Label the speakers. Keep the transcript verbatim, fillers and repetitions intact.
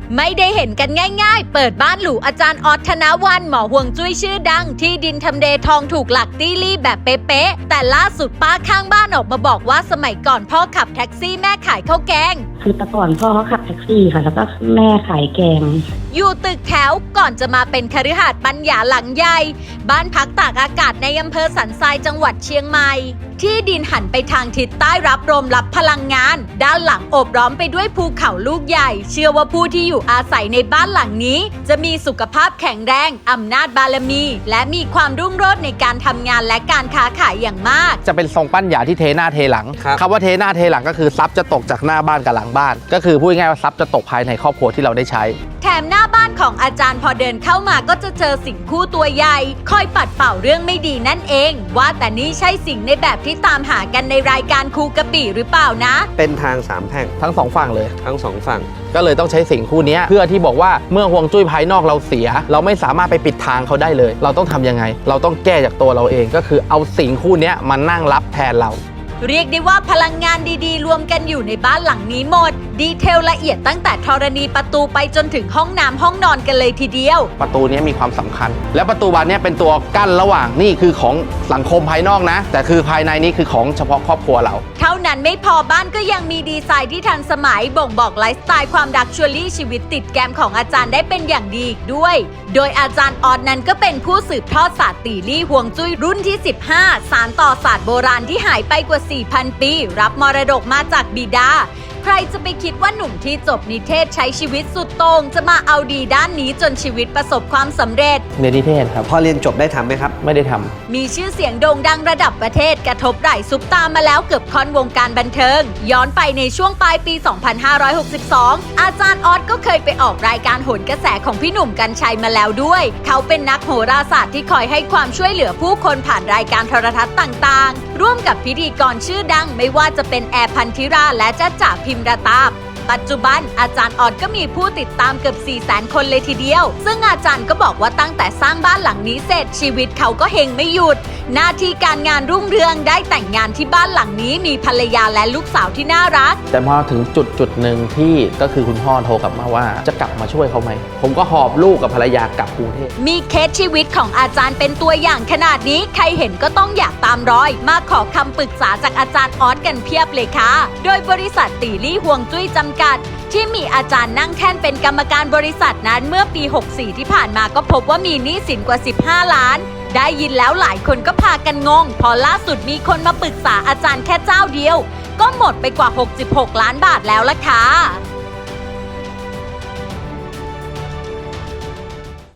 Speaker 1: ไม่ได้เห็นกันง่ายๆเปิดบ้านหรูอาจารย์ออสธนวัลย์หมอห่วงจุ้ยชื่อดังที่ดินทำเลทองถูกหลักตี้ลี่แบบเป๊ะๆแต่ล่าสุดป้าข้างบ้านออกมาบอกว่าสมัยก่อนพ่อขับแท็กซี่แม่ขายข้าวแกง
Speaker 2: คือแต่ก่อนพ่อเขาขับแท็กซี่ค่ะแล้วก็แม่ขายแกง
Speaker 1: อยู่ตึกแถวก่อนจะมาเป็นคฤหาสน์ปัญญาหลังใหญ่บ้านพักตากอากาศในอำเภอสันทรายจังหวัดเชียงใหม่ที่ดินหันไปทางทิศใต้รับลมรับพลังงานด้านหลังโอบล้อมไปด้วยภูเขาลูกใหญ่เชื่อว่าผู้ที่อยู่อาศัยในบ้านหลังนี้จะมีสุขภาพแข็งแรงอำนาจบารมีและมีความรุ่งโรจน์ในการทำงานและการค้าขายอย่างมาก
Speaker 3: จะเป็นทรงปั้นหยาที่เทหน้าเทหลังคำว่าเทหน้าเทหลังก็คือทรัพย์จะตกจากหน้าบ้านกับหลังบ้านก็คือพูดง่ายว่าทรัพย์จะตกภายในครอบครัวที่เราได้ใช้
Speaker 1: แถมหน้าบ้านของอาจารย์พอเดินเข้ามาก็จะเจอสิ่งคู่ตัวใหญ่คอยปัดเป่าเรื่องไม่ดีนั่นเองว่าแต่นี่ใช่สิ่งในแบบที่ตามหากันในรายการคูกะปิหรือเปล่านะ
Speaker 4: เป็นทางสามแพร่ง
Speaker 3: ทั้งสองฝั่งเลย
Speaker 4: ทั้งสองฝั่ง
Speaker 3: ก็เลยต้องใช้สิ่งคู่นี้เพื่อที่บอกว่าเมื่อฮวงจุ้ยภายนอกเราเสียเราไม่สามารถไปปิดทางเขาได้เลยเราต้องทำยังไงเราต้องแก้จากตัวเราเองก็คือเอาสิ่งคู่นี้มานั่งรับแทนเรา
Speaker 1: เรียกได้ว่าพลังงานดีๆรวมกันอยู่ในบ้านหลังนี้หมดดีเทลละเอียดตั้งแต่ธรณีประตูไปจนถึงห้องน้ำห้องนอนกันเลยทีเดียว
Speaker 3: ประตูนี้มีความสำคัญและประตูบานนี้เป็นตัวกั้นระหว่างนี่คือของสังคมภายนอกนะแต่คือภายในนี้คือของเฉพาะครอบครัวเรา
Speaker 1: เท่านั้นไม่พอบ้านก็ยังมีดีไซน์ที่ทันสมัยบ่งบอกไลฟ์สไตล์ความดักชัวรี่ชีวิตติดแกมของอาจารย์ได้เป็นอย่างดีอีกด้วยโดยอาจารย์ออสนั้นก็เป็นผู้สืบทอดศาสตร์ตีลี่ฮวงจุ้ยรุ่นที่สิบห้าสานต่อศาสตร์โบราณที่หายไปกว่า สี่พัน ปีรับมรดกมาจากบิดาใครจะไปคิดว่าหนุ่มที่จบนิเทศใช้ชีวิตสุดโต่งจะมาเอาดีด้านนี้จนชีวิตประสบความสำเร็จ
Speaker 3: เรียนนิเทศครับ
Speaker 4: พอเรียนจบได้ทำไหมครับ
Speaker 3: ไม่ได้ทำ
Speaker 1: มีชื่อเสียงโด่งดังระดับประเทศกระทบไหล่ซุปตามาแล้วเกือบค่อนวงการบันเทิงย้อนไปในช่วงปลายปี สองพันห้าร้อยหกสิบสอง อาจารย์ออสก็เคยไปออกรายการโหนกระแสของพี่หนุ่มกรรชัยมาแล้วด้วยเขาเป็นนักโหราศาสตร์ที่คอยให้ความช่วยเหลือผู้คนผ่านรายการโทรทัศน์ต่างๆร่วมกับพิธีกรชื่อดังไม่ว่าจะเป็นแอร์พันธิราและจ๊ะจ๋าพิมระตาปัจจุบันอาจารย์ออสก็มีผู้ติดตามเกือบ สี่แสน คนเลยทีเดียวซึ่งอาจารย์ก็บอกว่าตั้งแต่สร้างบ้านหลังนี้เสร็จชีวิตเขาก็เฮงไม่หยุดหน้าที่การงานรุ่งเรืองได้แต่งงานที่บ้านหลังนี้มีภรรยาและลูกสาวที่น่ารัก
Speaker 3: แต่พอถึงจุดจุดหนึ่งที่ก็คือคุณพ่อโทรกลับมาว่าจะกลับมาช่วยเขาไหมผมก็หอบลูกกับภรรยากลับกรุงเทพ
Speaker 1: มีเคสชีวิตของอาจารย์เป็นตัวอย่างขนาดนี้ใครเห็นก็ต้องอยากตามรอยมาขอคำปรึกษาจากอาจารย์ออสกันเพียบเลยค่ะโดยบริษัทตีลี่ฮวงจุ้ยจำกัดที่มีอาจารย์นั่งแท่นเป็นกรรมการบริษัทนั้นเมื่อปี หกสิบสี่ ที่ผ่านมาก็พบว่ามีหนี้สินกว่า สิบห้า ล้านได้ยินแล้วหลายคนก็พากันงงพอล่าสุดมีคนมาปรึกษาอาจารย์แค่เจ้าเดียวก็หมดไปกว่า หกสิบหก ล้านบาทแล้วล่ะค่ะ